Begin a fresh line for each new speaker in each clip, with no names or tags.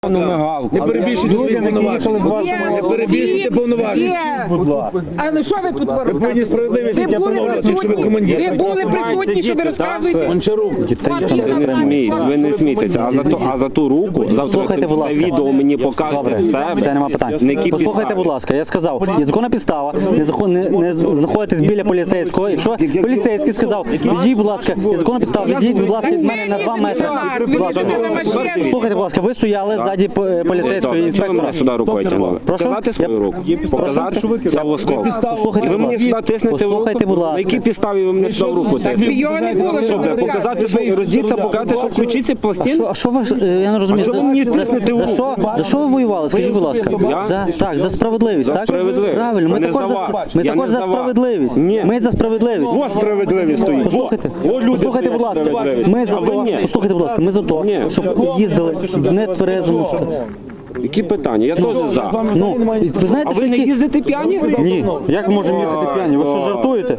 Не перебільшуйте свої повноваження. Не перебільшуйте повноваження.
Але що ви тут
Ви повинні справедливість життя поновлювати, якщо ви командир.
Ви були присутні, що ви розказуєте?
Гончарук.
Ви не смійтеся, а за ту руку,
Послухайте, будь
за
ласка.
відео мені покажете
Все, нема питань. Послухайте, будь ласка, я сказав, є законна підстава, не знаходитесь біля поліцейського. Якщо поліцейський сказав, відійдіть, будь ласка, є законна підстава, відійдіть, будь ласка, від мене на 2 метри. Послухайте, будь ласка, ви стояли ззаді поліцейського інспектора.
Сюди рукою тягнули.
Показати
свою руку? Показати? Це восков.
Послухайте,
Ви
будь
мені
ласка.
сюди тиснете в руку?
Послухайте, будь ласка.
На якій підставі ви мені сюди в руку тиснете?
Його не було, що ви
Показати свої роздіться, показати, що включити ці пластини?
А що ви, я не розумію,
чого ви мені тиснете в руку?
за що ви воювали, скажіть, будь ласка? Так, за справедливість, так?
справедливість.
Правильно, ми
Не
також
за вас.
ми
Я
також
не
за
за вас.
справедливість.
Ні.
Ми за справедливість.
Ось справедливість стоїть.
Послухайте, будь ласка, ми за то, послухайте, будь ласка, ми за то, щоб їздили в нетверезому стані.
Які питання? Я теж за.
Ну, ви знаєте,
А
що
ви не
які...
їздите п'яні?
Ні, як ми можемо їхати п'яні? Ви що, жартуєте?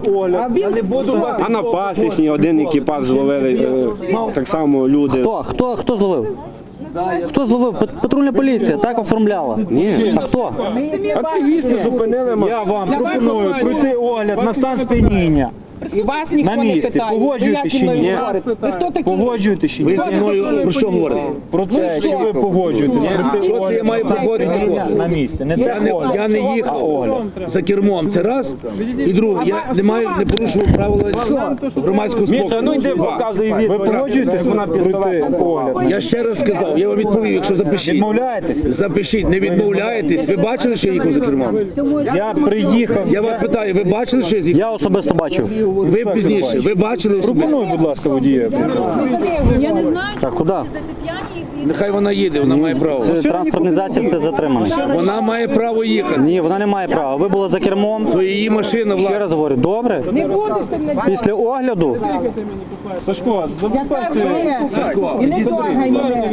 А на пасічні один екіпаж зловили, так само люди.
Хто зловив? Хто зловив? Патрульна поліція так оформляла.
Ні.
А хто?
Активісти зупинили машину.
Я вам пропоную пройти огляд на стан сп'яніння.
І вас ніхто
На
не
місці.
питає.
Погоджуєте
Ви
чи
як зі
ні?
мною говорите? Ви хто такі?
Погоджуєте чи
Ви
ні?
зі мною про що говорите?
Про те, чи ви погоджуєтесь пройти
Що це я маю проходити?
на місці. Не
Я не їхав за кермом, це раз. І друге, я не порушував правила громадського спокою.
Ви погоджуєтесь пройти огляд?
Я ще раз сказав, я вам відповів, якщо запишіть.
Відмовляєтесь?
Запишіть, не відмовляєтесь. Ви бачили, що я їхав за кермом?
Я приїхав.
Я вас питаю, ви бачили, що я з'їхав?
Я особисто бачив.
Ви пізніше, ви бачили особисто?
Пропоную, будь ласка, водія.
Я не знаю,
Так, куди?
Нехай вона їде, вона має право.
Це транспортний засіб, це затриманий.
Вона має право їхати.
Ні, вона не має права. Ви були за кермом.
То її машина,
Ще
власне.
раз говорю, добре?
Не будеш ти мене.
Після огляду
Сашко,
Я скажу, і не трогай мене.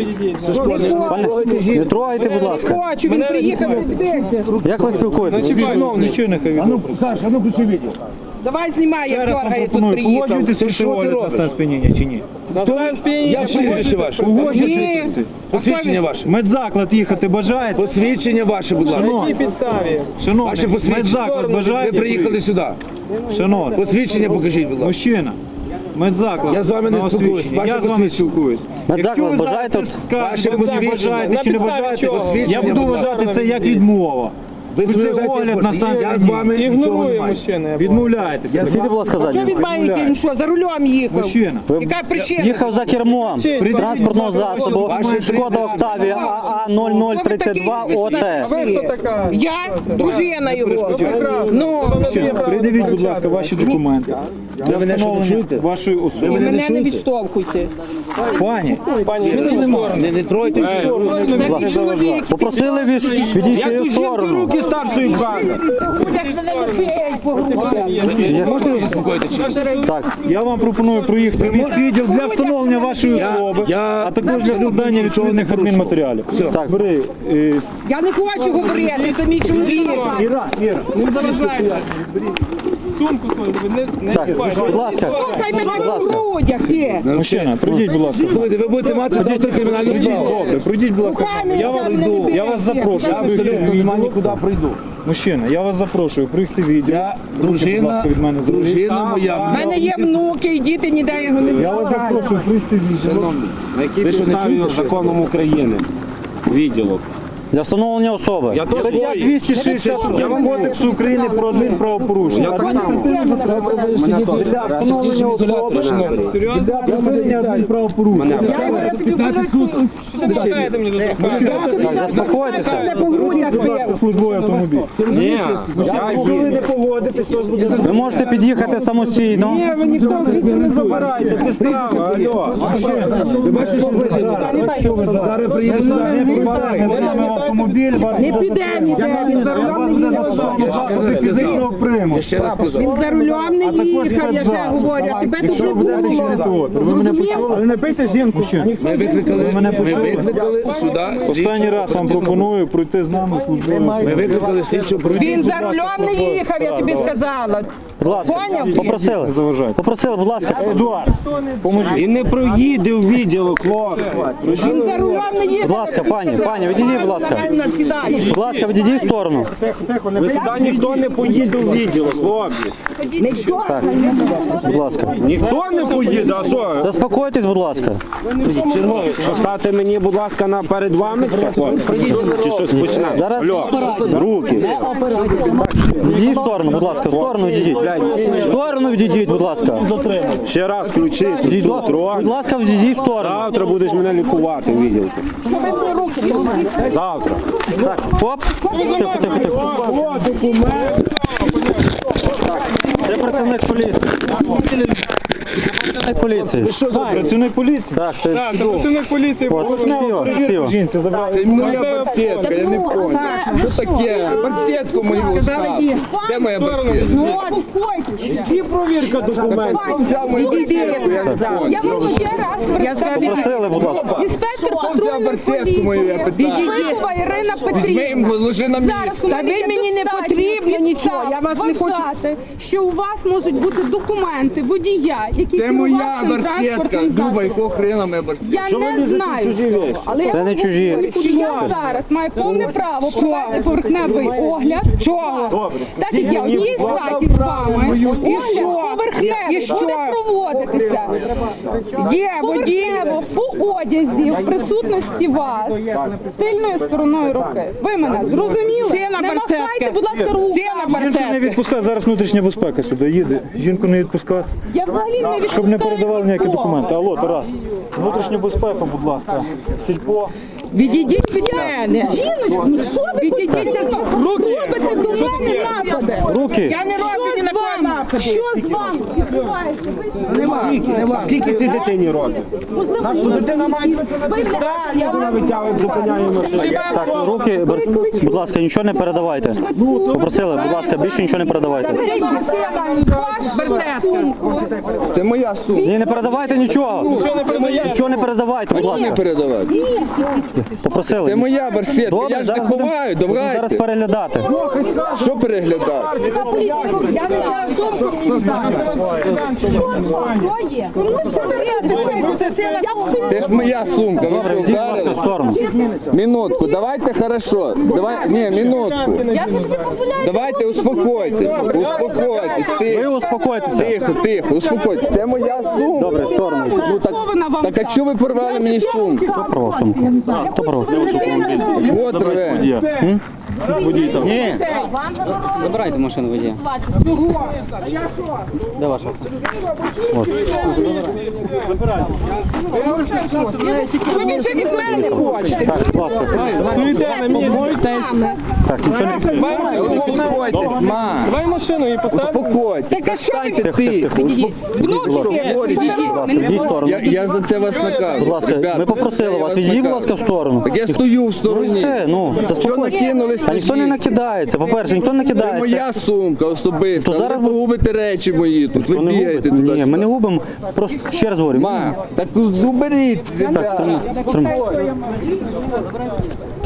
не трогайте, будь ласка.
Хочу, він приїхав підбігти.
Як ви спілкуєтесь?
нічого не хай.
Саша, а ну включи відео.
Давай знімай, як
Зараз вам
дергає тут
пропоную,
приїхав.
погоджуєтесь пройти огляд на стан сп'яніння чи ні?
Я прізвище ваше.
Ні.
Посвідчення ваше.
Медзаклад їхати бажаєте?
Посвідчення ваше, будь ласка.
Шановний,
Ваше посвідчення.
медзаклад
Ви
бажаєте?
приїхали сюди.
Шановний,
Посвідчення покажіть, будь ласка.
мужчина, медзаклад.
Я з вами не
на
спілкуюсь.
освічення.
Ваше
Я з вами
посвідчення.
спілкуюсь.
Медзаклад
Якщо ви
бажаєте?
зараз скажете,
Ваше
так
посвідчення.
бажаєте чи не бажаєте,
Посвідчення,
я буду
будь ласка.
вважати це як відмова.
Ви
Пройти
зважаєте,
огляд на стан
я з вами
сп'яніння.
нічого не маю.
Відмовляєтеся.
Сидіть, будь ласка,
Що
ззаді.
він має, він що, за рулем їхав?
Мужчина.
Яка причина?
Їхав за кермом транспортного засобу Шкода Октавія АА0032 ОТ.
Я дружина його. Ну,
Придивіть, будь ласка, ваші документи. Для
мене що, не
встановлення
чуєте?
вашої
і
особи.
мене не
чуєте?
відштовхуйте.
Пані,
Не тройте.
Це мій чоловік.
Попросили відійти в сторону.
Руки старшої брати.
Будеш мене не бій по грудях.
Можете ви заспокоїти чи ні?
Так,
я вам пропоную проїхати в відділ для встановлення вашої особи,
я-
а також для складання відповідних адмінматеріалів.
Так.
Бери.
Я не хочу говорити, це мій чоловік.
Іра, не заважайте.
так, будь ласка,
Хай мене
будь
по
ласка.
грудях є.
Мужчина, пройдіть, будь ласка.
Слухайте, ви будете мати завтра кримінальну справу.
Добре, пройдіть, будь ласка. Я вас запрошую.
Абсолютно нема нікуди прийду.
Мужчина, я вас запрошую, приїхати відео.
Я
Будь
дружина,
ласка, від мене
дружина
У
моя.
мене є внуки, і діти ніде його не
Я вас
забирають.
запрошую, приїхати відео.
На якій
Ви що, не
підставі
чуєте, що
законом України? Відділок.
Для встановлення особи.
Я теж
Стаття 261 Кодексу України про адмінправопорушення.
Я так само.
Для встановлення особи, для припинення адмінправопорушення.
Так, заспокойтеся.
Мене по грудях
Будь ласка,
бив.
службовий автомобіль.
Ні,
Якщо ви не погодитесь, вас буде
Ви можете під'їхати самостійно.
ви ніхто звідси не забирайте, підстава, алло. Ви бачите, що ви зараз приїдете сюди, не вітаєте. автомобіль,
Не піде ніде, він за рулем не їхав.
фізичного приму.
Я ще раз сказав.
Він за рулем не їхав, я ще говорю, а тебе тут не було.
Ви мене почули? Ви не бийте жінку ще.
Ми викликали сюди
Останній раз вам пропоную пройти з нами службою.
Ми викликали слідчу
Він за рулем не їхав, я тобі сказала.
Будь ласка,
Поняв?
попросили.
Заважайте.
Попросили, будь ласка.
Едуард, поможіть.
І не проїде в відділок, хлопці.
Він за рулем не їхав.
Будь ласка, пані, відійдіть, будь ласка.
Сідаєш.
Будь ласка, відійдіть в сторону.
Ви сюди ніхто не поїде в відділок, хлопці.
Так, будь ласка.
Ніхто не поїде, а що?
Заспокойтесь, будь ласка.
Черговий, що стати мені, будь ласка, перед вами? Чи щось починати?
Зараз-
Алло, руки.
Відійдіть в сторону, будь ласка, в сторону відійдіть. В сторону відійдіть, будь ласка.
Ще раз включити
Відійдіть,
цю
будь
трон.
ласка, відійдіть в сторону.
Завтра будеш мене лікувати в відділку. Завтра.
Так, хоп. Тихо. Це працівник поліції. Працівник поліції.
Працівник поліції?
Так, це
Працівник поліції.
От, красиво.
Жінці забрали.
Моя барсетка, я не понял. Що таке? Барсетку мою оставив. Де моя барсетка?
Ну, успокойтесь.
І провірка документів.
Взяв мою барсетку, я не понял.
Я вам ще раз
Попросили, будь ласка.
інспектор
Взяв
патрульної
барсетку мою, я
поліції.
питаю.
Вилова Ірина
Візьми
Петрівна.
їм, ложи на
Зараз
місце.
у
Та
мене
ви
є
мені не
достатньо
потрібно нічого, я вас не хочу.
вважати, що у вас можуть бути документи водія, який
Це моя
керував цим
барсетка.
транспортним
Дуба,
засобом.
якого хрена моя барсетка?
Я не знаю цього, але
Це не чужі.
я зараз маю повне право провести поверхневий огляд.
Чого?
Так як я одній статі з вами.
І
Огляд
що?
поверхневий
І що?
буде проводитися.
Є водій.
Поверхнево по одязі в присутності вас тильною стороною руки. Ви мене зрозуміли?
Сина
Не
барсетки.
махайте, будь ласка, руку.
Сина
Жінку не
барсетки.
відпускати, зараз внутрішня безпека сюди їде. Жінку не відпускати.
Я взагалі не відпускаю
Щоб не передавали ніякі
нікого.
документи. Алло, Тарас. Внутрішня безпека, будь ласка. Сільпо.
Відійдіть від мене.
Жіночку, ну що ви
Відійдіть
робите до мене напади?
Руки.
Я не роблю ні на кого нападу.
Що з вами відбувається?
Скільки цій дитині років?
Можливо,
Дитина має вона витягує, зупиняє машину.
Так, руки, будь ласка, нічого не передавайте. Попросили, будь ласка, більше нічого не передавайте.
Це моя сумка.
Ні, не передавайте нічого. Нічого не передавайте, будь
Не
ласка.
передавати.
Попросили.
Це моя барсетка.
Добре,
Я ж не
зараз будемо
ховаю,
зараз
давайте.
переглядати.
Що переглядати?
Я не знаю, сумку мені
Що є?
Це сина.
Це ж моя сумка. Ви
Добре,
що,
йдіть, будь ласка, в
вдарили?
сторону.
Минутку, давайте хорошо. Давай, ні, минутку.
Я собі дозволяю.
Давайте успокойтесь. Успокойтесь.
Ви
Тихо,
успокойтеся.
тихо, успокойтесь. Це моя сумка.
Добре, в сторону.
Ну так, так а чого ви порвали мені сумку?
Хто порвав сумку? Хто порвав?
От рве. Ні.
Забирайте машину водія. Де ваша?
Ви більше від мене хочете.
Так, будь ласка. Так, нічого не...
Успокойтесь, ма.
Давай машину і посадимо.
Успокойтесь.
Так а що ви?
Станьте тихо.
Внучки.
Будь ласка, йдіть в сторону.
Я за це вас накажу.
Будь ласка,
Ребята,
ми попросили вас, відійдіть, будь ласка, в сторону.
Так я стою в
Ну і
стороні.
все, ну,
Що
заспокойтесь.
накинулись?
Та ніхто не накидається, по-перше, ніхто не
Це
кидається.
моя сумка особиста.
То зараз
Ви погубите речі мої тут. Ви
Хто не
бігаєте
губить?
туди.
Ні, ми не губимо, просто ще раз говорю.
Ма, так уберіть,
Так,
ребята.
тримай.